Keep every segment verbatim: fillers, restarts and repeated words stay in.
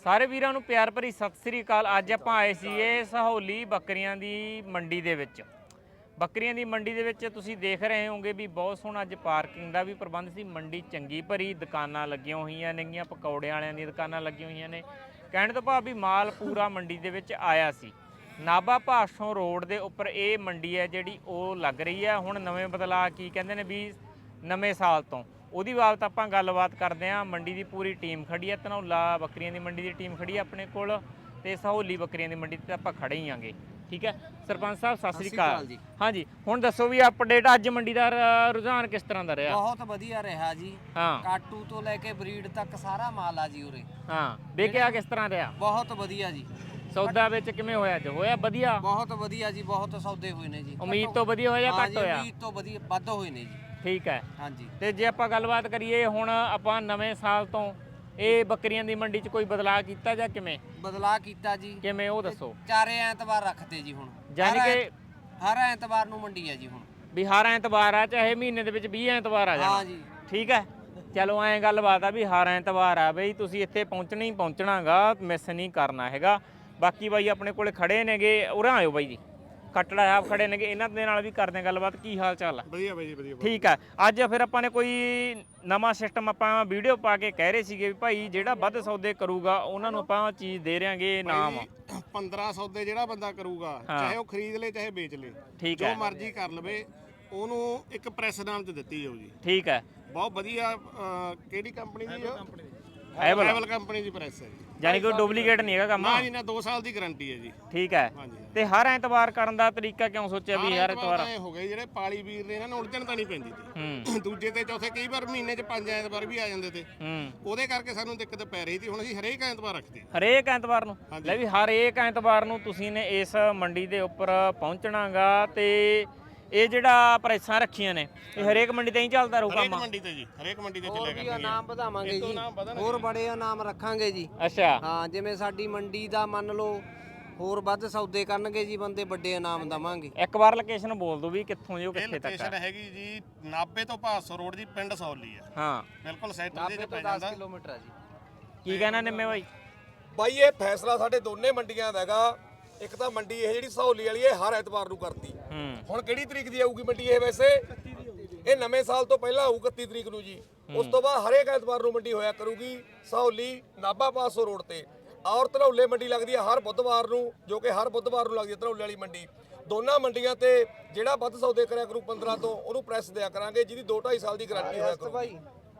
ਸਾਰੇ ਵੀਰਾਂ ਨੂੰ ਪਿਆਰ ਭਰੀ ਸਤਿ ਸ੍ਰੀ ਅਕਾਲ। ਅੱਜ ਆਪਾਂ ਆਏ ਸੀਗੇ ਸਹੌਲੀ ਬੱਕਰੀਆਂ ਦੀ ਮੰਡੀ ਦੇ ਵਿੱਚ। ਬੱਕਰੀਆਂ ਦੀ ਮੰਡੀ ਦੇ ਵਿੱਚ ਤੁਸੀਂ ਦੇਖ ਰਹੇ ਹੋਗੇ ਵੀ ਬਹੁਤ ਸੋਹਣਾ ਅੱਜ ਪਾਰਕਿੰਗ ਦਾ ਵੀ ਪ੍ਰਬੰਧ ਸੀ। ਮੰਡੀ ਚੰਗੀ ਭਰੀ, ਦੁਕਾਨਾਂ ਲੱਗੀਆਂ ਹੋਈਆਂ ਨੇਗੀਆਂ, ਪਕੌੜੇ ਵਾਲਿਆਂ ਦੀਆਂ ਦੁਕਾਨਾਂ ਲੱਗੀਆਂ ਹੋਈਆਂ ਨੇ। ਕਹਿਣ ਤੋਂ ਭਾਵ ਵੀ ਮਾਲ ਪੂਰਾ ਮੰਡੀ ਦੇ ਵਿੱਚ ਆਇਆ ਸੀ। ਨਾਭਾ ਭਾਸੋਂ ਰੋਡ ਦੇ ਉੱਪਰ ਇਹ ਮੰਡੀ ਹੈ ਜਿਹੜੀ ਉਹ ਲੱਗ ਰਹੀ ਹੈ। ਹੁਣ ਨਵੇਂ ਬਦਲਾਅ ਕੀ ਕਹਿੰਦੇ ਨੇ ਵੀ ਨਵੇਂ ਸਾਲ ਤੋਂ ਉਹਦੀ ਬਾਬਤ ਆਪਾਂ ਗੱਲਬਾਤ ਕਰਦੇ ਹਾਂ। ਮੰਡੀ ਦੀ ਪੂਰੀ ਟੀਮ ਖੜੀ ਹੈ। ਧਨੌਲਾ ਬੱਕਰੀਆਂ ਦੀ ਮੰਡੀ ਦੀ ਟੀਮ ਖੜੀ ਹੈ ਆਪਣੇ ਕੋਲ, ਤੇ ਸਹੌਲੀ ਬੱਕਰੀਆਂ ਦੀ ਮੰਡੀ ਤੇ ਆਪਾਂ ਖੜੇ ਹੀ ਆਂਗੇ। ਠੀਕ ਹੈ ਸਰਪੰਚ ਸਾਹਿਬ, ਸਤਿ ਸ੍ਰੀ ਅਕਾਲ ਜੀ। ਹਾਂਜੀ, ਹੁਣ ਦੱਸੋ ਵੀ ਅਪਡੇਟ ਅੱਜ ਮੰਡੀ ਦਾ ਰੁਝਾਨ ਕਿਸ ਤਰ੍ਹਾਂ ਦਾ ਰਿਹਾ? ਬਹੁਤ ਵਧੀਆ ਰਿਹਾ ਜੀ। ਹਾਂ, ਕਾਟੂ ਤੋਂ ਲੈ ਕੇ ਬਰੀਡ ਤੱਕ ਸਾਰਾ ਮਾਲ ਆ ਜੀ ਉਰੇ। ਹਾਂ, ਵੇਖਿਆ ਕਿਸ ਤਰ੍ਹਾਂ ਰਿਹਾ? ਬਹੁਤ ਵਧੀਆ ਜੀ। ਸੌਦਾ ਵਿੱਚ ਕਿਵੇਂ ਹੋਇਆ? ਅੱਜ ਹੋਇਆ ਵਧੀਆ? ਬਹੁਤ ਵਧੀਆ ਜੀ, ਬਹੁਤ ਸੌਦੇ ਹੋਏ ਨੇ ਜੀ। ਉਮੀਦ ਤੋਂ ਵਧੀਆ ਹੋਇਆ ਜਾਂ ਘੱਟ ਹੋਇਆ? ਉਮੀਦ ਤੋਂ ਵਧੀਆ ਵੱਧ ਹੋਏ ਨੇ ਜੀ। ਠੀਕ ਹੈ। ਹਾਂਜੀ, ਤੇ ਜੇ ਆਪਾਂ ਗੱਲਬਾਤ ਕਰੀਏ ਹੁਣ ਆਪਾਂ ਨਵੇਂ ਸਾਲ ਤੋਂ ਇਹ ਬੱਕਰੀਆਂ ਦੀ ਮੰਡੀ 'ਚ ਕੋਈ ਬਦਲਾਅ ਕੀਤਾ ਜਾਂ ਕਿਵੇਂ ਬਦਲਾਅ ਕੀਤਾ ਜੀ। ਕਿਵੇਂ ਉਹ ਦੱਸੋ? ਚਾਰੇ ਐਤਵਾਰ ਰੱਖਦੇ ਜੀ ਹੁਣ, ਯਾਨੀ ਹਰ ਕਿ ਐਤ- ਹਰ ਐਤਵਾਰ ਨੂੰ ਮੰਡੀ ਹੈ ਜੀ ਹੁਣ। ਵੀ ਹਰ ਐਤਵਾਰ ਆ, ਚਾਹੇ ਮਹੀਨੇ ਦੇ ਵਿੱਚ ਵੀਹ ਐਤਵਾਰ ਆ ਜਾਣਾ। ਹਾਂ ਜੀ, ਠੀਕ ਹੈ, ਚਲੋ ਐਂ ਗੱਲਬਾਤ ਆ ਵੀ ਹਰ ਐਤਵਾਰ ਆ ਬਈ, ਤੁਸੀਂ ਇੱਥੇ ਪਹੁੰਚਣਾ ਹੀ ਪਹੁੰਚਣਾਗਾ, ਮਿਸ ਨਹੀਂ ਕਰਨਾ ਹੈਗਾ। ਬਾਕੀ ਬਾਈ ਆਪਣੇ ਕੋਲੇ ਖੜੇ ਨੇਗੇ, ਉਰਾਂ ਆਇਓ ਬਾਈ ਜੀ, ਖੱਟੜਾ ਸਾਹਿਬ ਖੜੇ ਨੇਗੇ, ਇਹਨਾਂ ਦੇ ਨਾਲ ਵੀ ਕਰਦੇ ਆ ਗੱਲਬਾਤ। ਕੀ ਹਾਲ ਚਾਲ ਆ? ਵਧੀਆ ਬਾਈ ਜੀ, ਵਧੀਆ। ਠੀਕ ਹੈ, ਅੱਜ ਫਿਰ ਆਪਾਂ ਨੇ ਕੋਈ ਨਵਾਂ ਸਿਸਟਮ ਆਪਾਂ ਵੀਡੀਓ ਪਾ ਕੇ ਕਹਿ ਰਹੇ ਸੀਗੇ ਵੀ ਭਾਈ ਜਿਹੜਾ ਵੱਧ ਸੌਦੇ ਕਰੂਗਾ ਉਹਨਾਂ ਨੂੰ ਆਪਾਂ ਚੀਜ਼ ਦੇ ਰਿਆਂਗੇ ਇਨਾਮ। ਪੰਦਰਾਂ ਸੌਦੇ ਜਿਹੜਾ ਬੰਦਾ ਕਰੂਗਾ, ਚਾਹੇ ਉਹ ਖਰੀਦ ਲੇ ਚਾਹੇ ਵੇਚ ਲੇ, ਠੀਕ ਹੈ, ਜੋ ਮਰਜ਼ੀ ਕਰ ਲਵੇ, ਉਹਨੂੰ ਇੱਕ ਪ੍ਰੈਸ ਨਾਮ ਤੇ ਦਿੱਤੀ ਜਾਊ ਜੀ। ਠੀਕ ਹੈ, ਬਹੁਤ ਵਧੀਆ। ਅਹ, ਕਿਹੜੀ ਕੰਪਨੀ ਦੀ? ਐਵਲ ਐਵਲ ਕੰਪਨੀ ਦੀ ਪ੍ਰੈਸ ਹੈ ਜੀ। ਯਾਨੀ ਕੋਈ ਡੁਪਲੀਕੇਟ ਨਹੀਂ ਹੈਗਾ ਕੰਮ? ਨਾ ਜੀ ਨਾ, ਦੋ ਸਾਲ ਦੀ ਗਾਰੰਟੀ ਹੈ ਜੀ। ਠੀਕ ਹੈ। ਹਾਂਜੀ। ਤੇ ਹਰ ਐਤਵਾਰ ਕਰਨ ਦਾ ਤਰੀਕਾ ਕਿਉਂ ਸੋਚਿਆ ਵੀ ਹਰ ਐਤਵਾਰ? ਇਹ ਹੋ ਗਏ ਜਿਹੜੇ ਪਾਲੀ ਵੀਰ ਨੇ, ਇਹਨਾਂ ਨੂੰ ਉਲਝਣ ਤਾਂ ਨਹੀਂ ਪੈਂਦੀ ਹੂੰ ਸੀ। ਦੂਜੇ ਤੇ ਚੌਥੇ ਕਈ ਵਾਰ ਮਹੀਨੇ 'ਚ ਪੰਜ ਐਤਵਾਰ ਵੀ ਆ ਜਾਂਦੇ ਤੇ, ਹੂੰ ਉਹਦੇ ਕਰਕੇ ਸਾਨੂੰ ਦਿੱਕਤ ਪੈ ਰਹੀ ਸੀ। ਹੁਣ ਅਸੀਂ ਹਰੇਕ ਐਤਵਾਰ ਰੱਖਦੇ। ਹਰੇਕ ਐਤਵਾਰ ਨੂੰ? ਲੈ ਵੀ ਹਰੇਕ ਐਤਵਾਰ ਨੂੰ ਤੁਸੀਂ ਨੇ ਇਸ ਮੰਡੀ ਦੇ ਉੱਪਰ ਪਹੁੰਚਣਾਗਾ। ਤੇ ਇਹ ਜਿਹੜਾ ਪ੍ਰੈਸਾਂ ਰੱਖੀਆਂ ਨੇ ਇਹ ਹਰੇਕ ਮੰਡੀ ਤੇ ਹੀ ਚੱਲਦਾ ਰਹੂ ਹਰੇਕ ਕੰਮ? ਮੰਡੀ ਤੇ ਜੀ, ਹਰੇਕ ਮੰਡੀ ਤੇ ਹੋਰ ਚੱਲਿਆ ਵੀ ਕਰਨਗੇ। ਇਨਾਮ ਵਧਾਵਾਂਗੇ ਜੀ, ਹੋਰ ਬੜੇ ਇਨਾਮ ਰੱਖਾਂਗੇ ਜੀ। ਅੱਛਾ, ਹਾਂ, ਜਿਵੇਂ ਸਾਡੀ ਮੰਡੀ ਦਾ ਮੰਨ ਲਓ ਹੋਰ ਵੱਧ ਸੌਦੇ ਕਰਨਗੇ ਜੀ ਬੰਦੇ, ਵੱਡੇ ਇਨਾਮ ਦਵਾਂਗੇ। ਇੱਕ ਵਾਰ ਲੋਕੇਸ਼ਨ ਬੋਲ ਦਿਓ ਵੀ ਕਿੱਥੋਂ ਜੀ ਉਹ ਇਹ ਕਿੱਥੇ ਤੱਕ ਲੋਕੇਸ਼ਨ ਆ? ਹੈਗੀ ਜੀ ਨਾਭੇ ਤੋਂ ਭਾਸੋ ਰੋਡ ਦੀ, ਪਿੰਡ ਸੌਲੀ ਆ। ਹਾਂ, ਬਿਲਕੁਲ ਸੈਂਟਰ ਦੇ ਨਾਭੇ ਵਿੱਚ ਤੋਂ ਪੈ ਦਸ ਜਾਂਦਾ। ਕਿਲੋਮੀਟਰ ਆ ਜੀ। ਕੀ ਕਹਿਣਾ ਨਿੰਮੇ ਬਾਈ? ਬਾਈ ਇਹ ਫੈਸਲਾ ਸਾਡੇ ਦੋਨੇ ਮੰਡੀਆਂ ਦਾ ਹੈਗਾ। ਇੱਕ ਤਾਂ ਮੰਡੀ ਇਹ ਜਿਹੜੀ ਸਹੌਲੀ ਵਾਲੀ ਇਹ ਹਰ ਐਤਵਾਰ ਨੂੰ ਕਰਤੀ। ਹੂੰ ਹੁਣ ਕਿਹੜੀ ਤਰੀਕ ਦੀ ਆਊਗੀ ਮੰਡੀ ਇਹ? ਵੈਸੇ ਇਹ ਨਵੇਂ ਸਾਲ ਤੋਂ ਪਹਿਲਾਂ ਆਊ ਇਕੱਤੀ ਤਰੀਕ ਨੂੰ ਜੀ। ਉਸ ਤੋਂ ਬਾਅਦ ਹਰੇਕ ਐਤਵਾਰ ਨੂੰ ਮੰਡੀ ਹੋਇਆ ਕਰੂਗੀ ਸਹੌਲੀ ਨਾਭਾ ਪਾਸੋਂ ਰੋਡ ਤੇ। ਔਰ ਧਨੌਲੇ ਮੰਡੀ ਲੱਗਦੀ ਹੈ ਹਰ ਬੁੱਧਵਾਰ ਨੂੰ, ਜੋ ਕਿ ਹਰ ਬੁੱਧਵਾਰ ਨੂੰ ਲੱਗਦੀ ਹੈ ਧਨੌਲੇ ਵਾਲੀ ਮੰਡੀ। ਦੋਨਾਂ ਮੰਡੀਆਂ ਤੇ ਜਿਹੜਾ ਵੱਧ ਸੌਦੇ ਕਰਿਆ ਕਰੂ ਪੰਦਰਾਂ ਤੋਂ, ਉਹਨੂੰ ਪ੍ਰੈਸ ਦਿਆ ਕਰਾਂਗੇ, ਜਿਹਦੀ ਦੋ ਢਾਈ ਸਾਲ ਦੀ ਗਾਰੰਟੀ ਹੋਇਆ ਕਰੂ। ਭਾਈ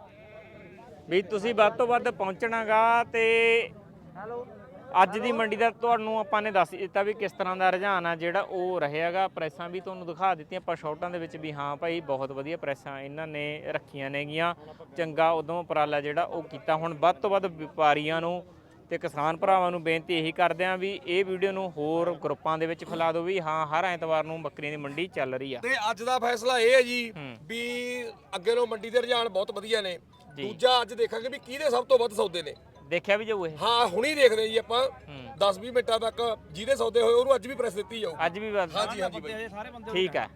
ਵੀ ਤੁਸੀਂ ਵੱਧ ਤੋਂ ਵੱਧ ਪਹੁੰਚਣਾਗਾ। ਤੇ ਹੈਲੋ, ਅੱਜ ਦੀ ਮੰਡੀ ਦਾ ਤੁਹਾਨੂੰ ਆਪਾਂ ਨੇ ਦੱਸ ਦਿੱਤਾ ਵੀ ਕਿਸ ਤਰ੍ਹਾਂ ਦਾ ਰੁਝਾਨ ਆ ਜਿਹੜਾ ਉਹ ਰਹੇਗਾ। ਪ੍ਰੈਸਾਂ ਵੀ ਤੁਹਾਨੂੰ ਦਿਖਾ ਦਿੱਤੀਆਂ ਆਪਾਂ ਸ਼ਾਰਟਾਂ ਦੇ ਵਿੱਚ ਵੀ, ਹਾਂ ਭਾਈ ਬਹੁਤ ਵਧੀਆ ਪ੍ਰੈਸਾਂ ਇਹਨਾਂ ਨੇ ਰੱਖੀਆਂ ਨੇਗੀਆਂ। ਚੰਗਾ ਉਦੋਂ ਉਪਰਾਲਾ ਜਿਹੜਾ ਉਹ ਕੀਤਾ। ਹੁਣ ਵੱਧ ਤੋਂ ਵੱਧ ਵਪਾਰੀਆਂ ਨੂੰ ਤੇ ਕਿਸਾਨ ਭਰਾਵਾਂ ਨੂੰ ਬੇਨਤੀ ਇਹੀ ਕਰਦੇ ਆਂ ਵੀ ਇਹ ਵੀਡੀਓ ਨੂੰ ਹੋਰ ਗਰੁੱਪਾਂ ਦੇ ਵਿੱਚ ਫੈਲਾ ਦਿਓ ਵੀ ਹਾਂ ਹਰ ਐਤਵਾਰ ਨੂੰ ਬੱਕਰੀਆਂ ਦੀ ਮੰਡੀ ਚੱਲ ਰਹੀ ਆ। ਤੇ ਅੱਜ ਦਾ ਫੈਸਲਾ ਇਹ ਹੈ ਜੀ ਵੀ ਅੱਗੇ ਨੂੰ ਮੰਡੀ ਦੇ ਰੁਝਾਨ ਬਹੁਤ ਵਧੀਆ ਨੇ। ਦੂਜਾ ਅੱਜ ਦੇਖਾਂਗੇ ਵੀ ਕਿਹਦੇ ਸਭ ਤੋਂ ਵੱਧ ਸੌਦੇ ਨੇ। ਦੇਖਿਆ ਵੀ ਜਾਊ ਇਹ? ਹਾਂ, ਹੁਣੀ ਦੇਖਦੇ ਜੀ ਆਪਾਂ ਦਸ ਵੀਹ ਮਿੰਟਾਂ ਤੱਕ ਜਿਹਦੇ ਸੌਦੇ ਹੋਏ ਉਹਨੂੰ ਅੱਜ ਵੀ ਪ੍ਰੈਸ ਦਿੱਤੀ ਜਾਊ। ਅੱਜ ਵੀ ਬਸ? ਹਾਂਜੀ ਹਾਂਜੀ ਬਾਈ, ਠੀਕ ਹੈ,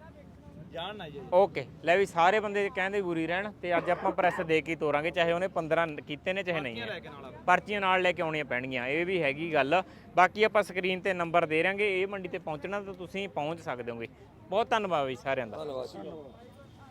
ਓਕੇ। ਲੈ ਵੀ ਸਾਰੇ ਬੰਦੇ ਕਹਿੰਦੇ ਬੁਰੀ ਰਹਿਣ, ਤੇ ਅੱਜ ਆਪਾਂ ਪ੍ਰੈਸ ਦੇ ਕੇ ਤੋਰਾਂਗੇ, ਚਾਹੇ ਉਹਨੇ ਪੰਦਰਾਂ ਕੀਤੇ ਨੇ ਚਾਹੇ ਨਹੀਂ। ਪਰਚੀਆਂ ਨਾਲ ਲੈ ਕੇ ਆਉਣੀਆਂ ਪੈਣਗੀਆਂ, ਇਹ ਵੀ ਹੈਗੀ ਗੱਲ। ਬਾਕੀ ਆਪਾਂ ਸਕਰੀਨ ਤੇ ਨੰਬਰ ਦੇ ਰਾਂਗੇ, ਇਹ ਮੰਡੀ ਤੇ ਪਹੁੰਚਣਾ ਤਾਂ ਤੁਸੀਂ ਪਹੁੰਚ ਸਕਦੇ ਹੋਗੇ। ਬਹੁਤ ਧੰਨਵਾਦ ਬਈ ਸਾਰਿਆਂ ਦਾ। ਧੰਨਵਾਦ।